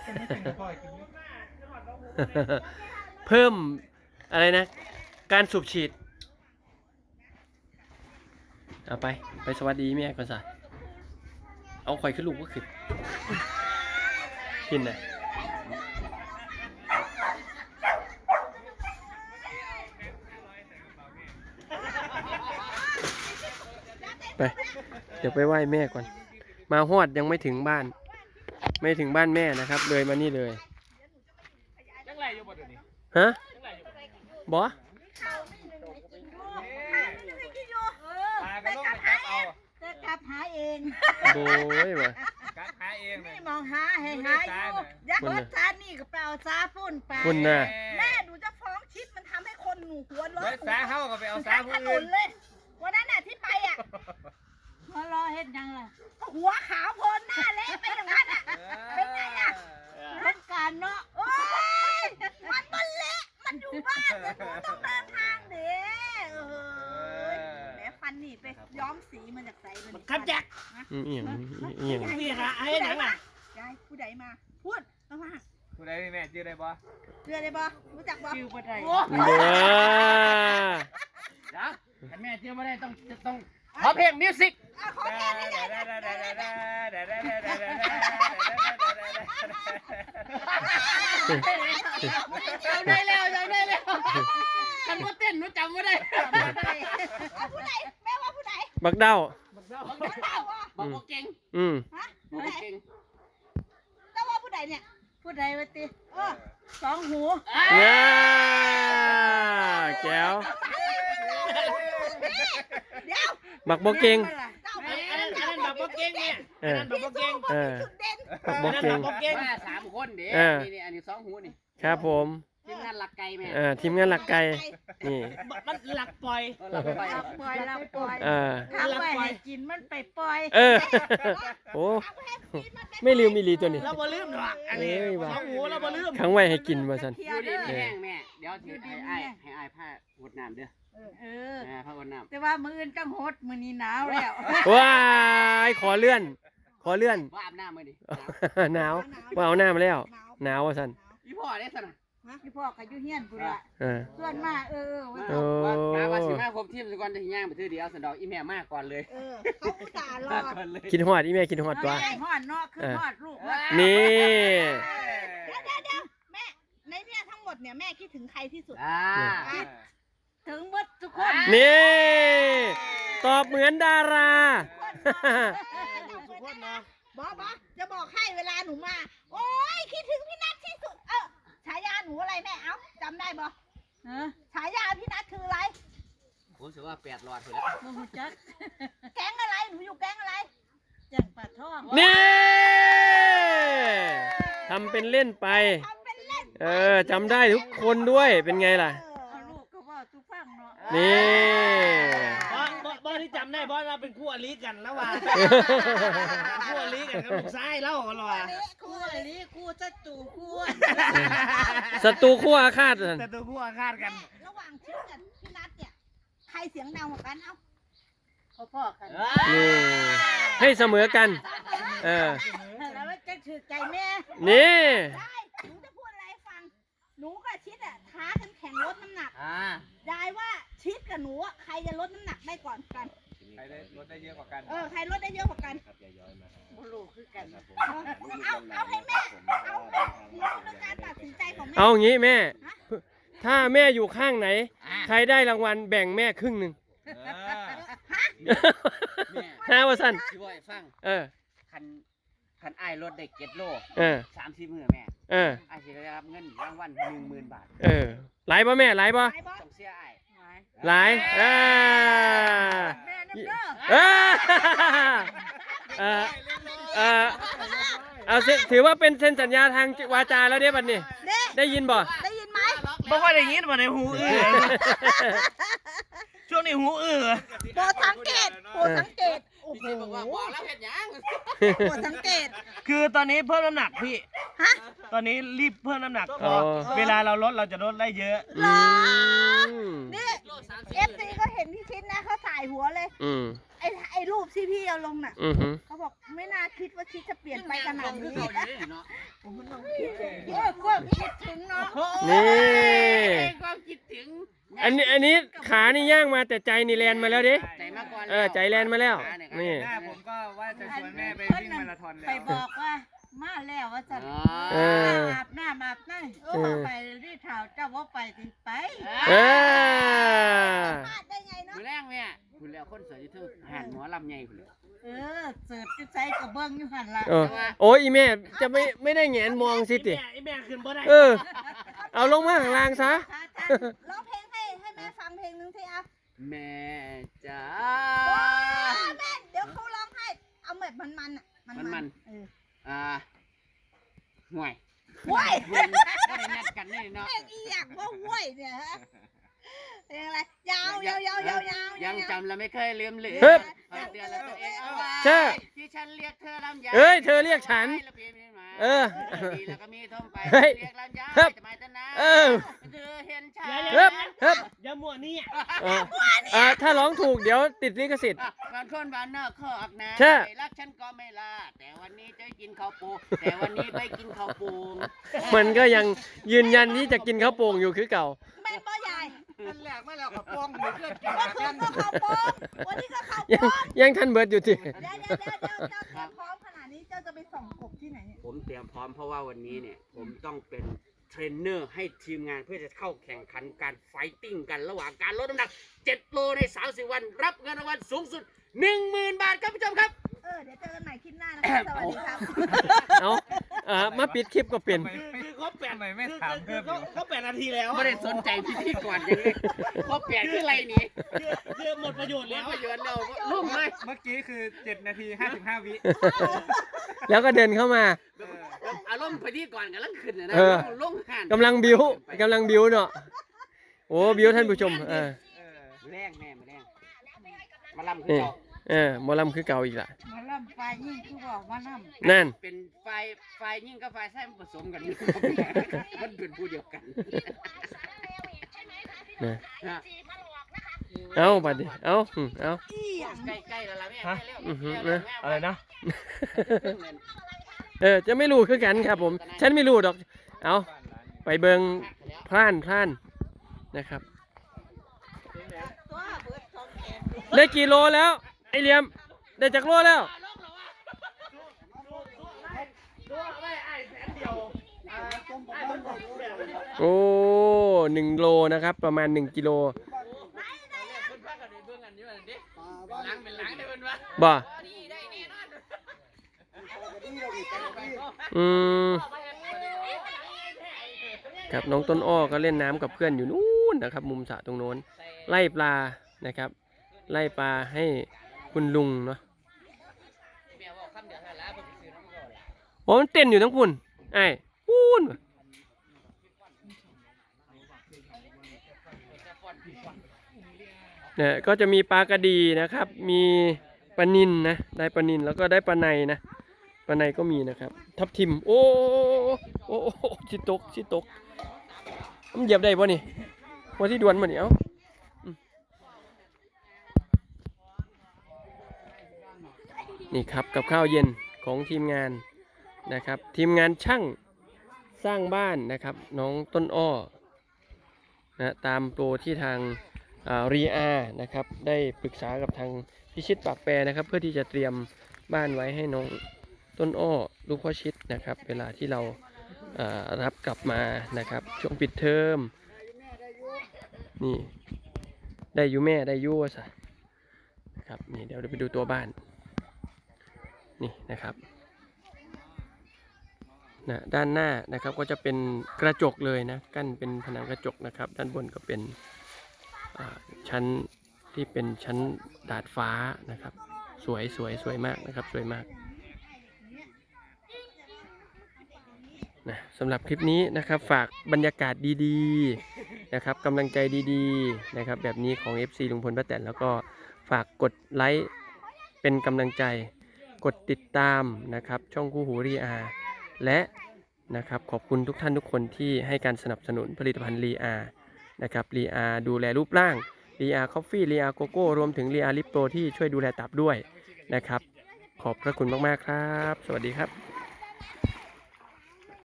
เพิ่มอะไรนะการสูบฉีดเอาไปสวัสดีแม่ก่อนสิเอาข่อยขึ้นลูกก็ขึ้นกินนะไปเดี๋ยวไปไหว้แม่ก่อนมาฮอดยังไม่ถึงบ้านไม่ถึงบ้านแม่นะครับเลยมานี่เลยฮะบอจะกลับหาเองโบ้ยวะกลับหาเองนี่มองหาให้หาอยู่อย่าเบิดซานี่ก็ไปเอาซาฝุ่นไปคุณน่ะแม่หนูจะฟ้องชิดมันทำให้คนหนูหัวร้อนสาเข้าก็ไปเอาสาผู้ถนอื่นนเลยวันนั้นน่ะที่ไปอ่ะหัวรอเฮ็ดยังล่ะหัวขาวโพนหน้าเละไปอย่างนั้นอ่ะเป็นไงอ่ะเป็นการเนาะโอ้ยมันเละมันอยู่บ้านแต่หนูต้องเดินทางเด้แหมฟันนี่ไปย้อมสีมาจากไหนมันครับแจ็คเอียงพี่ฮะไอ้หนังอ่ะยายผู้ใดมาพูดมาผู้ใดแม่ชื่ออะไรบ่เรือได้บ่รู้จักบ่ชื่อบ่ได้เด้อจ้ะแต่แม่ชื่อบ่ได้ต้องขอเพลงมิวสิกขอแก้ไม่ได้ได้แล้วฉันบ่เต้นหนูจำบ่ได้ผู้ใดแม่ว่าผู้ใดบักเด้าบอกว่าเก่งฮะบอกผู้ใดว่าเก่งแต่ว่าผู้ใดเนี่ยผู้ใดวะติสองหูง่าแก้วเดี๋ยวบักบกเก่งอันนั้นบอกว่าเก่งเนี่ยอันนั้นบอกว่าเก่งบักบกเก่งบอกเก่งมา3คนเด้นี่อันนี้2หูนี่ครับผมทีมงานหลักไก่แม่ทีมงานหลักไก่นี่มันหลักปล่อยหลักปล่อยปล่อยเราปล่อยอ่าทำไว้ให้กินมันไปปล่อยโอ้ไม่ลืมอีหลีตัวนี้เราบ่ลืมหรอกอันนี้2หูเราบ่ลืมขังไว้ให้กินมาสันอยู่ดีมีแห้งแม่เดี๋ยวถือให้อ้ายผ้าหดน้ำเด้อผ้าหดน้ำแต่ว่ามื้ออื่นจังโหดมื้อนี้หนาวแล้วว้ายขอเลื่อนว่าอาบน้ำมื้อนี้หนาวว่าเอาหน้ามาแล้วหนาวว่าสันอีพ่อได้ซั่นน่ะพี่พ่อก็อยู่เฮียนพุ่นล่ะอ่าส่วนมากว่าโอ้ว่าสิมาครบทีมซะก่อนจะย่างไปถือเดียวสันดอกอีแม่มาก่อนเลยเขาอุตส่าห์รอก่อนเลยคิดฮอดอีแม่คิดฮอดตัวฮอดเนาะคือฮอดลูกว่านี่เดี๋ยวแม่ในเนี่ยทั้งหมดเนี่ยแม่คิดถึงใครที่สุด ถึงหมดทุกคนนี่ตอบเหมือนดาราทุกคนเนาะบอจะบอกให้เวลาหนูมา โอ้ยคิดถึงพี่นัทที่สุดฉายาหนูอะไรแม่เอ้าจำได้บอฉายาพี่นัทคืออะไรผมถือว่า8หลอดไปแล้วแก๊งอะไรหนูอยู่แก๊งอะไรแก๊งปลาทองนี่ทำเป็นเล่นไปทำเป็นเล่นจำได้ทุกคนด้วยเป็นไงล่ะลูกก็ว่าทุกฟังเนาะนี่บอที่จำได้บอเราเป็นคู่อริกันแล้วว่ะคู่อริกันกับลูกชายแล้วเหรอวะคู่อะไรคู่ศัตรูคู่ศัตรูคู่อาฆาตแต่ตัวคู่อาฆาตกันระหว่างชิดกับพี่นัทเนี่ยใครเสียงดังกว่ากันเอ้าพ่อกันนี่ให้เสมอกันแล้วจะถือใจแม่นี่ได้หนูจะพูดอะไรให้ฟังหนูกับชิดท้ากันแข่งลดน้ำหนักยายว่าชิดกับหนูใครจะลดน้ำหนักได้ก่อนกันใครได้รถได้เยอะกว่ากันใครลดได้เยอะกว่ากันไม่รู้คือกันเอาให้แม่เอาหนูคือการตัดสินใจของแม่เอางี้แม่ ถ้าแม่อยู่ข้างไหน ใครได้รางวัลแบ่งแม่ครึ่งหนึ่ง5% สิบ่ให้ฟังคันอ้ายรถได้7 โล30 มื้อแม่อ้ายสิได้รับเงินรางวัล 10,000 บาทหลายป่ะแม่หลายป่ะต้องเสียอ้ายหลายแม่น้ำเด้อเอาถือว่าเป็นเซ็นสัญญาทางวาจาแล้วเด้บัดนี้ได้ยินบ่ได้ยินไหมบ่ค่อยได้ยินมาในหูช่วงนี้หูโปรดสังเกตโอ้โหบอกว่าบอกแล้วเห็นยังโปรดสังเกตคือตอนนี้เพิ่มน้ำหนักพี่ตอนนี้รีบเพิ่มน้ำหนักพอเวลาเราลดเราจะลดได้เยอะนี่ FC ก็เห็นพี่ชิดนะเขาถ่ายหัวเลยไอไอ้รูปที่พี่เอาลงน่ะอือฮึเขาบอกไม่น่าคิดว่าชิดจะเปลี่ยนไปขนาดนี้เนาะก็คิดถึงเนาะนี่ความคิดถึงอันนี้ขานี่ย่างมาแต่ใจนี่แลนมาแล้วดิใจมาก่อนใจแลนมาแล้วนี่หน้าผมก็ว่าจะชวนแม่ไปวิ่งมาราธอนแล้วไปบอกว่ามาแล้วว่าจะเอออาบน้ำอาบน้ำโอ้ไปรีดเท้าเจ้าว่าไปติไปเออพลาดได้ไงเนาะคุณแรกเนี่ยคุณแล้วคนสวยยูทูบหันหมอลำใหญ่คุณเลยเสิร์ฟจะใช้กระเบื้องอยู่หันละโอ้ยอีแม่จะไม่ได้แงนมองสิติไอ้แม่ขึ้นบ่ได้เอาลงมาข้างล่างซะร้องเพลงให้แม่ฟังเพลงนึงสิอ่ะแม่จ๋าแม่เดี๋ยวเขาร้องให้เอาแบบมันๆอ่ะมันห่วยว้ยไม่ได้นัดกันนี่เนาะเพลงอีอยากว่าว้ยเนี่ยฮะเพลงอะไรยาวยาวยาวยาวยาวยังจำและไม่เคยลืมเหลือฮึบเตือนแล้วตัวเองเอาไว้ใช่ที่ฉันเรียกเธอลำไยเอ้ยเธอเรียกฉัน เออดีแล้วก็มีท่อมไปเฮ้ยเรียกลำไยฮึบจะมาจะนะเออเธอเห็นฉันเฮ้บเฮ้บอย่ามั่วนี่ถ้าร้องถูกเดี๋ยวติดลิขสิทธิ์บางคนบ้านนอกเขาออกนะใช่ไม่รักฉันก็ไม่ลาแต่วันนี้จะกินข้าวปูแต่วันนี้ไปกินข้าวปูมันก็ยังยืนยันที่จะกินข้าวโป่งอยู่คือเก่าแม่ป้าใหญ่นั่นแหละไม่แล้วกับป้องหรือเพื่อนกินเมื่อคืนก็เข้าโป๊ะวันนี้ก็เข้ายังโป๊ะยังทันเบิร์ดอยู่ทีเดี๋ยวเจ้าพร้อมขนาดนี้เจ้าจะไปส่องกบที่ไหนเนี่ยผมเตรียมพร้อมเพราะว่าวันนี้เนี่ยผมต้องเป็นเทรนเนอร์ให้ทีมงานเพื่อจะเข้าแข่งขันการไฟติ้งกันระหว่างการลดน้ำหนัก 7 โลใน 30 วัน รับเงินรางวัลสูงสุด 10,000 บาทครับผู้ชมครับเดี๋ยวเจอกันใหม่คลิปหน้านะคะสวัสดีครับเอามาปิดคลิปก็เปลี่ยนคือเขาแปดทำไมไม่ถามเพิ่มอยู่เขา8 นาทีแล้วไม่ได้สนใจพิธีก่อนยังเลยเพราะเปลี่ยนคืออะไรนี่คือหมดประโยชน์แล้แล้ว วประโยชน์เราลุ่มเลยเมื่อกี้คือ 7 นาที 55 วิแล้วก็เดินเข้ามาอารมณ์พิธีก่อนกันลังขึ้นนะเออลงหันกำลังบิ้วเนาะโอ้บิ้วท่านผู้ชมแรงแม่มาแรงมาลำคือนี่เก่าหมอลำคือเก่าอีกละมาล่ำไฟยิ่งคือบอกมาล่ำนั่นเป็นไฟยิ่งกับไฟแท้ผสมกันมันเป็นผู้เดียวกันนะฮะเอาบัดดิเอาใกล้ๆแล้วล่ะแม่ฮะใกล้แล้วอือฮึใกล้แล้วอะไรนะจะไม่รู้คือกันครับผม ฉันไม่รู้ดอก เอาไปเบิงพล่านนะครับตัวเบิดสองแขนได้กี่โลแล้ว ไอเหลียม ได้จากโลแล้ว โอ้1 โลนะครับ ประมาณ1 กิโลล้างเป็นล้างได้เป็นวะบ่นี่ได้แน่นอนครับน้องต้นอ้อก็เล่นน้ำกับเพื่อนอยู่นู้นนะครับ มุมสระตรงโน้น ไล่ปลานะครับ ไล่ปลาให้คุณลุงเนาะแม่บอกคำเดียวเท่านั้นผมซื้อน้ำก่อนโอ้มันเต้นอยู่ทั้งคุณไอ้พูนเนี่ยก็จะมีปลากระดีนะครับ มีปลานิลนะ ได้ปลานิลแล้วก็ได้ปลาในนะ ปลาในก็มีนะครับ ทับทิม โอ้ชิตกมันเหยียบได้ป่ะนี่พอที่ดวนมันนี่เอ้านี่ครับกับข้าวเย็นของทีมงานนะครับ ทีมงานช่างสร้างบ้านนะครับ น้องต้นอ้อนะตามโปรที่ทางรีอานะครับได้ปรึกษากับทางพิชิตปากแปรนะครับ เพื่อที่จะเตรียมบ้านไว้ให้น้องต้นอ้อลูกพ่อชิดนะครับ เวลาที่เรารับกลับมานะครับช่วงปิดเทอมนี่ได้อยู่แม่ได้อยู่ซะนะครับนี่เดี๋ยวเราไปดูตัวบ้านนี่นะครับนะด้านหน้านะครับก็จะเป็นกระจกเลยนะกั้นเป็นผนังกระจกนะครับ ด้านบนก็เป็นชั้นที่เป็นชั้นดาดฟ้านะครับสวยมากนะครับสวยมากนะสำหรับคลิปนี้นะครับฝากบรรยากาศดีๆนะครับกำลังใจดีๆนะครับแบบนี้ของ FC ลุงพลป้าแตนแล้วก็ฝากกดไลค์เป็นกำลังใจกดติดตามนะครับช่องคู่หูรีอาและนะครับขอบคุณทุกท่านทุกคนที่ให้การสนับสนุนผลิตภัณฑ์รีอานะครับรีอาดูแลรูปร่างรีอาคอฟฟี่รีอาโกโก้รวมถึงรีอาลิปโปที่ช่วยดูแลตับด้วยนะครับขอบพระคุณมากๆครับสวัสดีครับ